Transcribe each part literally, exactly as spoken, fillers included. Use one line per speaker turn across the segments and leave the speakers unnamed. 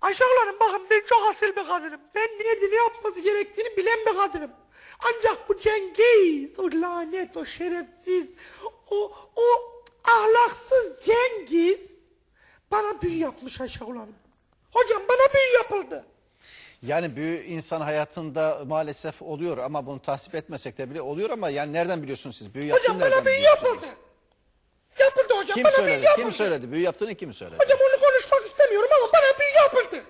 Aşağılarım bakın ben çok asil bir kadınım. Ben nerede ne yapması gerektiğini bilen bir kadınım. Ancak bu Cengiz, o lanet, o şerefsiz, o, o ahlaksız Cengiz bana büyü yapmış aşağılarım. Hocam bana büyü yapıldı.
Yani büyü insan hayatında maalesef oluyor ama bunu tasvip etmesek de bile oluyor ama yani nereden biliyorsunuz siz? Büyü
Hocam bana büyü yapıldı. Yapıldı hocam.
Kim
bana
söyledi?
büyü yapıldı.
Kim söyledi? Büyü yaptığını kim söyledi?
Hocam onu konuşmak istemiyorum ama bana büyü yapıldı.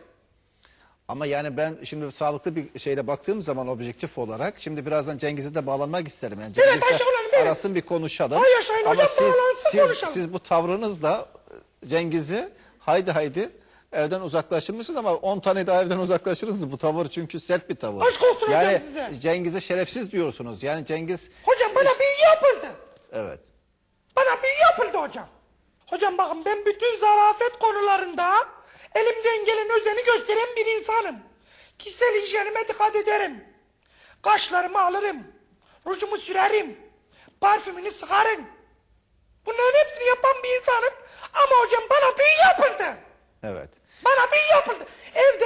Ama yani ben şimdi sağlıklı bir şeyle baktığım zaman objektif olarak şimdi birazdan Cengiz'e de bağlanmak isterim. Yani
Evet,
Cengiz'le
aşağılarım, evet.
arasın bir konuşalım.
Hay yaşayın
ama
hocam,
siz,
bağlansın,
siz,
konuşalım.
siz bu tavrınızla Cengiz'i haydi haydi evden uzaklaştırmışsınız ama on tane daha evden uzaklaşırız bu tavır çünkü sert bir tavır.
Aşk olsun hocam
yani
size.
Cengiz'e şerefsiz diyorsunuz. Yani Cengiz...
Hocam bana büyü yapıldı.
Evet.
Bana büyü yapıldı hocam. Hocam bakın ben bütün zarafet konularında elimden gelen özeni gösteren bir insanım. Kişisel hijyenime dikkat ederim. Kaşlarımı alırım. Rujumu sürerim. Parfümünü sıkarım. Bunların hepsini yapan bir insanım. Ama hocam bana büyü yapıldı.
Evet.
Bana büyü yapıldı. Evde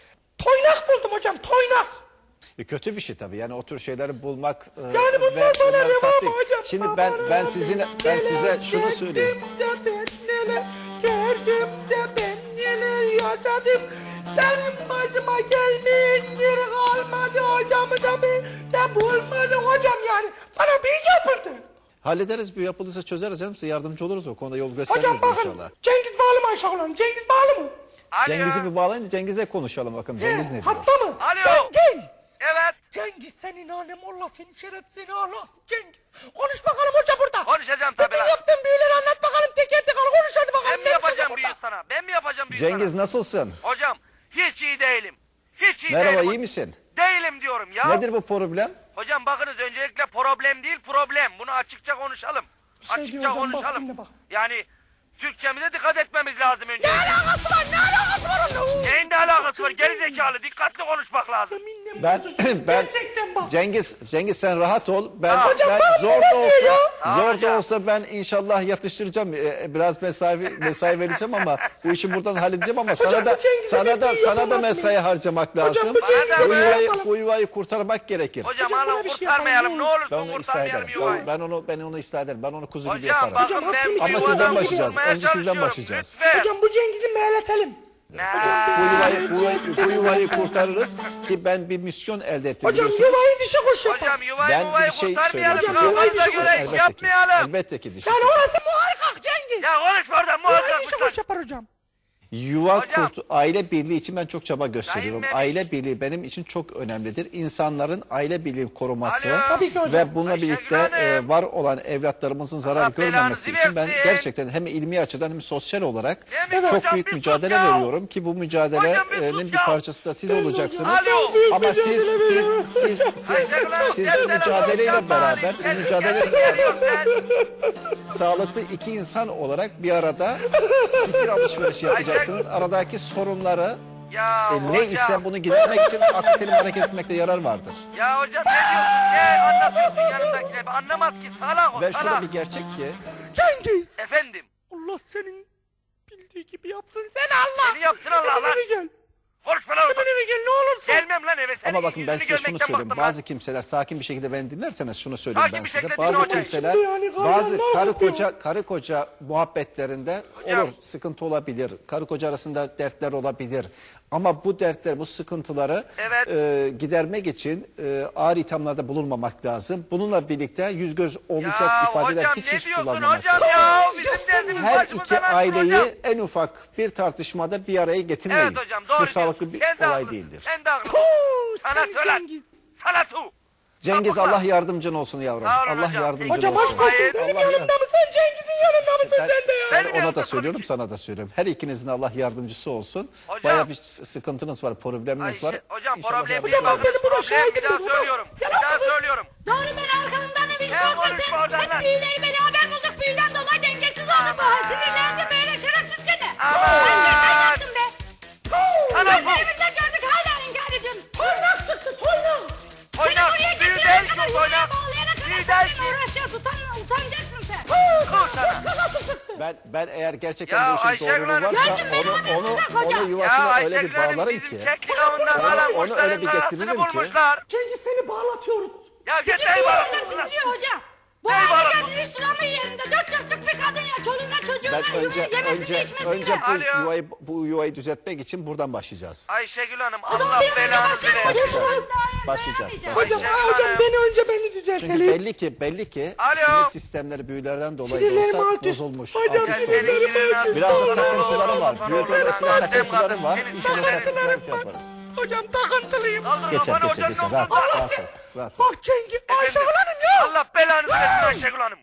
toynak buldum hocam, toynak.
E kötü bir şey tabii. Yani o tür şeyleri bulmak e,
Yani bunlar
ve
bana
bunları
reva
tatbik.
mı hocam?
Şimdi
Bana
ben ben
reva.
sizin ben size şunu
Neler
söyleyeyim.
çektim de ben neler gördüm de ben neler yaşadım. Benim başıma gelmeyen yeri kalmadı hocamı da ben de bulmadım hocam yani. Bana büyü yapıldı.
Hallederiz, bu yapıldıysa çözeriz canım. Size yardımcı oluruz, o konuda yol gösteririz
Hocam bakın
inşallah.
Cengiz bağlı mı aşağılarım? Cengiz bağlı mı?
Alo.
Cengiz'i bir bağlayın da Cengiz'e konuşalım bakın. Cengiz ne diyor?
Hatta mı?
Alo.
Cengiz!
Evet.
Cengiz senin hanem Allah senin şerefsini ahlaksız Cengiz. Konuş bakalım hoca burada.
Konuşacağım tabii
Bütün
lan.
yaptığın büyüleri anlat bakalım teker teker konuş hadi bakalım.
Ben mi
neymiş
yapacağım
hocam
büyü
burada?
sana? Ben mi yapacağım büyü
Cengiz
sana?
nasılsın?
Hocam hiç iyi değilim. Hiç iyi
Merhaba,
değilim.
iyi misin?
Değilim diyorum ya.
Nedir bu problem?
Hocam bakınız öncelikle problem değil problem. Bunu açıkça konuşalım.
Bir şey
açıkça
diyor hocam, bak,
konuşalım.
dinle bak.
Yani Türkçemize dikkat etmemiz lazım önce.
Ne alakası var? Ne alakası var onunla?
Neyin ne alakası var? Gerizekalı dikkatli konuşmak lazım.
Yeminle
Ben
bozuyorsun.
ben
Gerçekten bak.
Cengiz Cengiz sen rahat ol. Ben
Hocam
ben
bana
zor
ne
da
diyor
olsa
ya?
zor da
hocam.
olsa ben inşallah yatıştıracağım. Ee, biraz mesai mesai vereceğim ama bu işi buradan halledeceğim ama
Hocam,
sana da
bu Cengiz'e
sana
bir
da
şey
sana da
yapamaz
mesai
mıyım?
harcamak
Hocam,
lazım.
bu Cengiz'e
Bu
bir şey
yuvayı,
yapalım.
bu yuvayı kurtarmak gerekir.
Hocam
Hocam,
hala
buna bir şey
kurtarmayalım.
yapalım,
Ne
ne
Ben
olursun
onu ıslah
kurtarmayalım
ederim.
yuvayı.
Ben, ben onu ben onu ıslah ederim. Ben onu kuzu gibi
Hocam
yaparım.
bakın
Hocam,
ben
hakkını
bu
Ama
yuvadan
sizden
başlayacağız.
kurtulmaya
Önce sizden
çalışıyorum.
başlayacağız.
Lütfen.
Hocam bu Cengiz'i mehletelim.
Ne?
Bu yuvayı, bu, yuvayı, bu yuvayı kurtarırız ki ben bir misyon elde ettim.
Hocam
biliyorsunuz.
yuvayı dişi kuş yapar.
Hocam yuvayı
Ben
yuvayı
bir şey
kurtarmayalım.
söyleyeyim.
Hocam, yuvayı
Kafamıza
dişi
göre
kuş
iş yapmayalım.
Elbette ki düşün.
Yani orası muhakkak Cengiz.
Ya konuşma oradan
Yuvayı
muhakkak
dişi
lütfen.
kuş yapar hocam.
Yuva
Hocam.
kurt, aile birliği için ben çok çaba gösteriyorum.
Sayın
Aile birliği benim için çok önemlidir. İnsanların aile birliği koruması
Alo.
Tabii ki hocam.
ve bununla
Ayşegül
birlikte
Hanım.
e, var olan evlatlarımızın zarar
Allah
görmemesi
belanızı
için ben
versin.
gerçekten hem ilmi açıdan hem sosyal olarak
Değil mi
çok
hocam?
büyük
Bir sus
mücadele
ya.
veriyorum ki bu
Hocam bir
mücadelenin
sus
bir
ya.
parçası da siz
Ben
olacaksınız.
hocam çok büyük
Ama siz
mücadele
siz
veriyorum.
siz siz,
Ayşegül Hanım,
siz
gel
bu
telefon
mücadeleyle
yapma,
beraber bu
kendi
mücadeleyle
kendine
beraber
geliyorsun sen.
sağlıklı iki insan olarak bir arada fikir alışverişi yapacaksınız. Aradaki sorunları
Ya
e,
hocam.
ne ise bunu gidermek için aklı selim hareket etmekte yarar vardır.
Ya hocam ne diyorsun? Ne anlatıyorsun yanındakine? Anlamaz ki salak o
Ve
salak.
şurada bir gerçek ki
Cengiz.
Efendim.
Allah senin bildiği gibi yapsın sen Allah.
Seni yapsın Allah
Hemen
lan.
eve gel.
Konuşma lan oradan.
Hemen eve gel ne olursun.
Gelmem lan eve. Senin
ama bakın ben
yüzünü
size şunu
görmekten
söyleyeyim.
bıktım lan.
Bazı kimseler sakin bir şekilde beni dinlerseniz şunu söyleyeyim
Sakin
ben
bir
size.
şekilde
Bazı
dinle hocam.
kimseler
Şimdi yani gayet
bazı
ne
karı
yapıyor?
koca karı koca muhabbetlerinde
Hocam.
olur sıkıntı olabilir. Karı koca arasında dertler olabilir. Ama bu dertler, bu sıkıntıları
Evet.
e, gidermek için e, ağır ithamlarda bulunmamak lazım. Bununla birlikte yüz göz olacak
Ya
ifadeler
hocam
hiç
ne
hiç
diyorsun
kullanmamak
hocam
lazım.
ya?
Ya
Bizim
sen
derdimiz
Her
başımıza
iki
lan
aileyi
hocam.
en ufak bir tartışmada bir araya getirmeyin.
Evet hocam doğru
Bu sağlıklı
diyorsun.
bir
Sen de
olay
haklısın.
değildir.
Sen de haklısın.
Puh,
Sana
sen
söyler.
Cengiz.
Sana tu.
Cengiz
Yapma.
Allah yardımcın olsun yavrum.
Sağ olun
Allah
hocam.
yardımcın
Hocam
olsun.
aşk olsun
Hayır.
benim
Allah
yanımda mısın Cengiz'in yanında mısın
Ben-
sen de ya?
Ben
Benim
ona
yanımda
da söylüyorum,
tabii ki.
sana da söylüyorum. Her ikinizin Allah yardımcısı olsun.
Hocam.
Bayağı bir sıkıntınız var, probleminiz
Ayşe,
var.
hocam
İnşallah
problem
yardımcı
değil.
Hocam,
oluruz.
benim buna
Problem
şahidim
bir daha
benim, hocam.
söylüyorum. Bir daha söylüyorum.
Doğru ben arkanızdan bir
Sen konuşma
korkmasın.
oradan lan.
Hep büyüleri beraber bulduk. Büyüden dolayı dengesiz oldum. Bu hal sinirlendim böyle şerefsiz seni.
Aman.
Ben şeytan yaptım be.
Sana bu.
Gözlerimizle gördük hala inkar ediyorsun. Toynak çıktı toynak.
Oynak.
Seni buraya
Büyü
getirene
değil
kadar
ki
yuvaya
oynak.
bağlayana kadar
Büyü
sen
değil
benimle
ki.
uğraşacağız. Utan, utanacaksın sen.
Dur sana.
Kız nasıl çıktı?
Ben ben eğer gerçekten
Ya
bu işin
Ayşegül
doğruluğu
Hanım-
varsa
Gördün beni
onu
haberinize
onu
koca.
onu
Ya
yuvasına öyle bir
Ayşegül Hanım
bağlarım
bizim
ki.
keklik avından
Onu-
falan
onu öyle
kuşların
bir
arasını
getiririm ki.
bulmuşlar.
Cengiz seni bağlatıyoruz.
Ya
Bütün
git
bir
ey bana.
yerden titriyor hoca. Bu
Ey
hale
bana.
geldiniz hiç duramıyor yerinde. Dört dörtlük bir kadın ya. Çoluğuna çocuğuna
Ben önce
yemesini
önce
içmesini
önce
de.
bu
Alo.
yuvayı bu yuvayı düzeltmek için buradan başlayacağız.
Ayşegül Hanım
O zaman
Allah
bir an önce
belanı
başlayalım.
verir.
Başlayacağız.
Başlayacağız.
Hocam,
Ayşegül
hocam
Hanım.
beni önce beni
Çünkü
düzeltelim.
belli ki belli ki
Alo.
sinir sistemleri büyülerden dolayı da
Sinirlerim
olsa
alt üst.
bozulmuş.
Hocam,
alt üst
sinirlerim
olmuş.
alt üst.
Biraz da
Allah
takıntıları var.
Allah
Büyük
Allah.
dolayısıyla
Annem
takıntıları
kadın,
var.
senin
İnşallah
takıntılarım
takıntıları
var.
yaparız.
Hocam takıntılıyım.
Kaldır
Geçer
kafanı
geçer
hocanın
geçer. Rahat ol.
omzuna.
Rahat ol. Rahat ol.
Bak Cengiz, Ayşegül Hanım ya.
Allah belanı versin Ayşegül Hanım.